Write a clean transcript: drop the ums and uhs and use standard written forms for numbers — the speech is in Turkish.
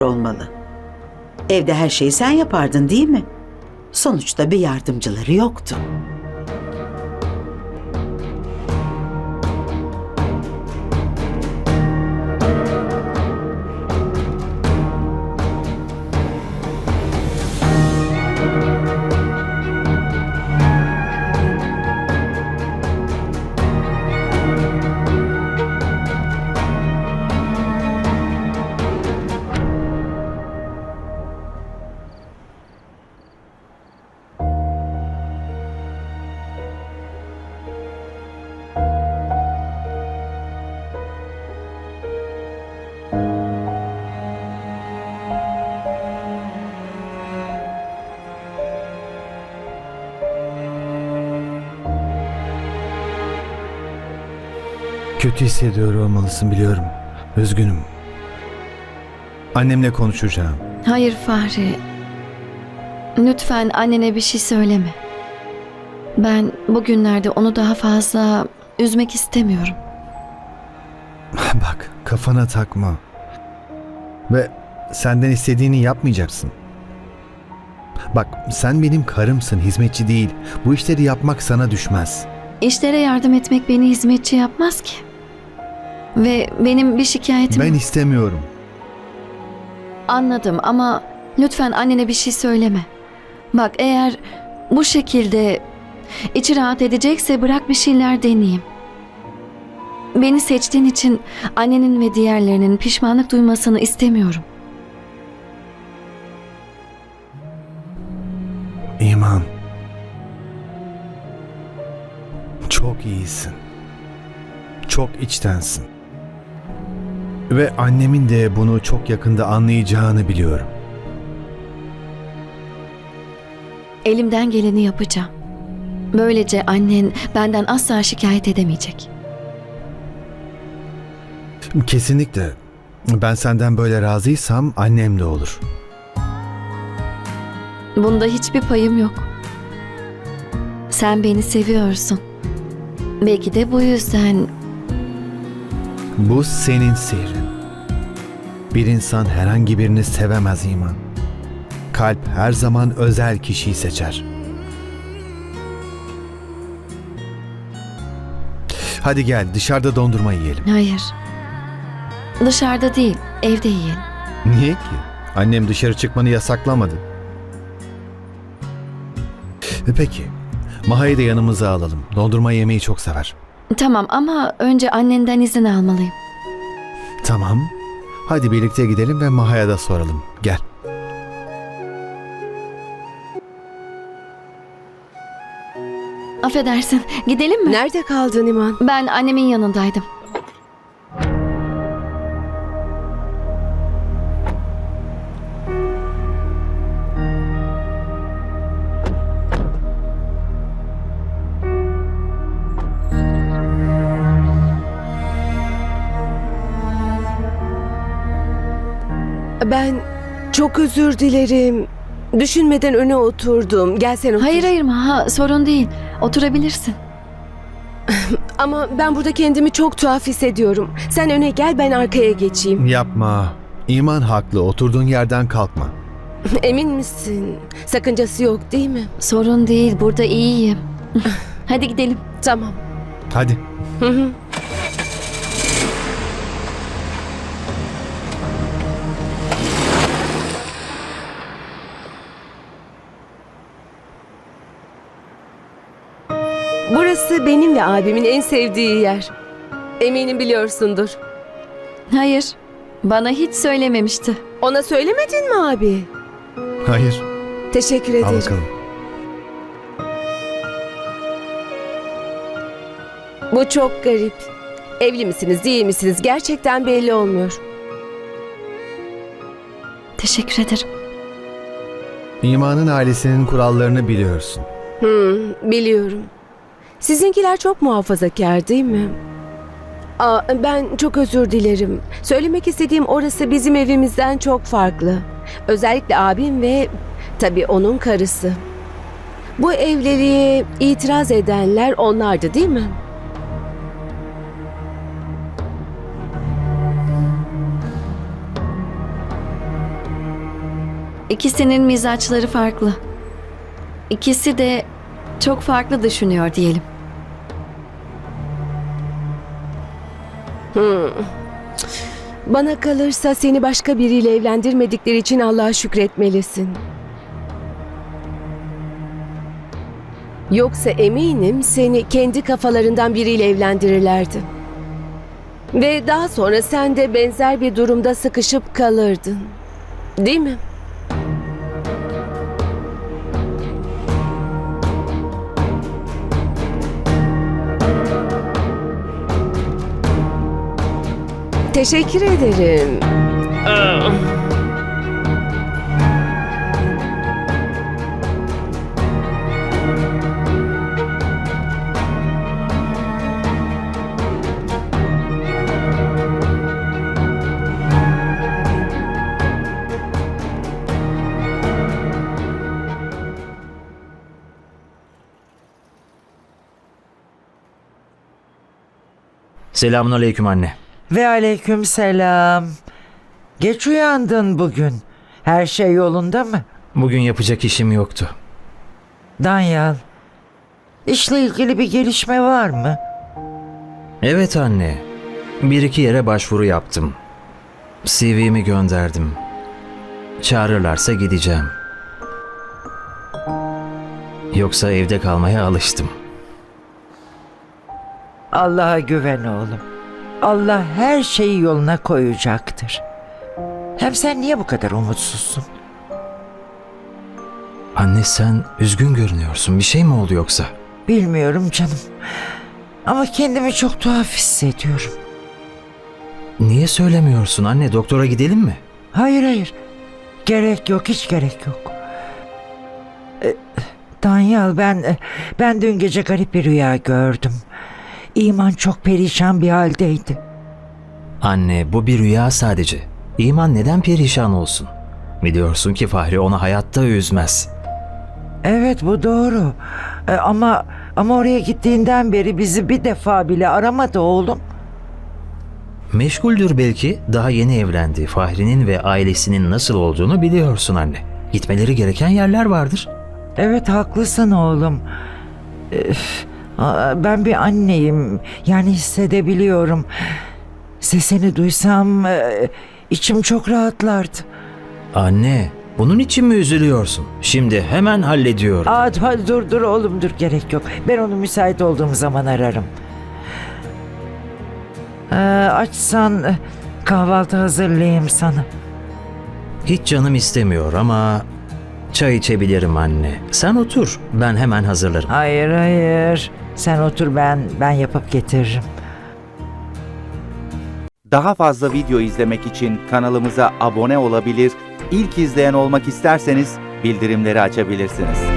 olmalı. Evde her şeyi sen yapardın değil mi? Sonuçta bir yardımcıları yoktu. Kötü hissediyor olmalısın, biliyorum. Üzgünüm. Annemle konuşacağım. Hayır Fahri. Lütfen annene bir şey söyleme. Ben bugünlerde onu daha fazla üzmek istemiyorum. Bak, kafana takma. Ve senden istediğini yapmayacaksın. Bak, sen benim karımsın, hizmetçi değil. Bu işleri yapmak sana düşmez. İşlere yardım etmek beni hizmetçi yapmaz ki. Ve benim bir şikayetim Ben yok. istemiyorum. Anladım ama lütfen annene bir şey söyleme. Bak eğer bu şekilde içi rahat edecekse bırak bir şeyler deneyeyim. Beni seçtiğin için annenin ve diğerlerinin pişmanlık duymasını istemiyorum. İman. Çok iyisin. Çok içtensin. Ve annemin de bunu çok yakında anlayacağını biliyorum. Elimden geleni yapacağım. Böylece annen benden asla şikayet edemeyecek. Kesinlikle. Ben senden böyle razıysam annem de olur. Bunda hiçbir payım yok. Sen beni seviyorsun. Belki de bu yüzden Bu senin sihrin. Bir insan herhangi birini sevemez İman. Kalp her zaman özel kişiyi seçer. Hadi gel, dışarıda dondurma yiyelim. hayır. Dışarıda değil, evde yiyelim. Niye ki? Annem dışarı çıkmanı yasaklamadı. Peki, Maha'yı da yanımıza alalım. Dondurma yemeyi çok sever. Tamam ama önce annenden izin almalıyım. Tamam. Hadi birlikte gidelim ve Maha'ya da soralım. Gel. Affedersin, gidelim mi? Nerede kaldın İman? Ben annemin yanındaydım. Ben çok özür dilerim. Düşünmeden öne oturdum. Gel sen otur. Hayır Maha, sorun değil. Oturabilirsin. Ama ben burada kendimi çok tuhaf hissediyorum. Sen öne gel, ben arkaya geçeyim. Yapma. İman haklı. Oturduğun yerden kalkma. Emin misin? Sakıncası yok değil mi? Sorun değil, burada iyiyim. Hadi gidelim. Tamam. Hadi. Hı hı. Burası benim ve abimin en sevdiği yer. Eminim biliyorsundur. Hayır, bana hiç söylememişti. Ona söylemedin mi abi? Hayır. Teşekkür Al ederim. bakalım. Bu çok garip. Evli misiniz, değil misiniz? Gerçekten belli olmuyor. Teşekkür ederim. İman'ın ailesinin kurallarını biliyorsun. Biliyorum. Sizinkiler çok muhafazakar değil mi? Ben çok özür dilerim. Söylemek istediğim orası bizim evimizden çok farklı. Özellikle abim ve tabii onun karısı. Bu evliliğe itiraz edenler onlardı değil mi? İkisinin mizaçları farklı. İkisi de çok farklı düşünüyor diyelim. Bana kalırsa seni başka biriyle evlendirmedikleri için Allah'a şükretmelisin. Yoksa eminim seni kendi kafalarından biriyle evlendirirlerdi. Ve daha sonra sen de benzer bir durumda sıkışıp kalırdın. Değil mi? Teşekkür ederim. Selamünaleyküm anne. Ve aleyküm selam. Geç uyandın bugün. Her şey yolunda mı? Bugün yapacak işim yoktu. Danyal, işle ilgili bir gelişme var mı? Evet anne. Bir iki yere başvuru yaptım. CV'mi gönderdim. Çağırırlarsa gideceğim. Yoksa evde kalmaya alıştım. Allah'a güven oğlum. Allah her şeyi yoluna koyacaktır. Hem sen niye bu kadar umutsuzsun? Anne sen üzgün görünüyorsun. Bir şey mi oldu yoksa? Bilmiyorum canım. Ama kendimi çok tuhaf hissediyorum. Niye söylemiyorsun anne? Doktora gidelim mi? Hayır. Gerek yok, hiç gerek yok. Danyal, ben dün gece garip bir rüya gördüm. İman çok perişan bir haldeydi. Anne bu bir rüya sadece. İman neden perişan olsun? Biliyorsun ki Fahri onu hayatta üzmez. Evet, bu doğru. Ama oraya gittiğinden beri bizi bir defa bile aramadı oğlum. Meşguldür belki. Daha yeni evlendi. Fahri'nin ve ailesinin nasıl olduğunu biliyorsun anne. Gitmeleri gereken yerler vardır. Evet, haklısın oğlum. Ben bir anneyim. Yani hissedebiliyorum. Sesini duysam içim çok rahatlardı. Anne, bunun için mi üzülüyorsun? Şimdi hemen hallediyorum. Hadi dur oğlum, dur, gerek yok. Ben onu müsait olduğum zaman ararım. Açsan kahvaltı hazırlayayım sana. Hiç canım istemiyor ama çay içebilirim anne. Sen otur, ben hemen hazırlarım. Hayır. Sen otur, ben yapıp getiririm. Daha fazla video izlemek için kanalımıza abone olabilir, ilk izleyen olmak isterseniz bildirimleri açabilirsiniz.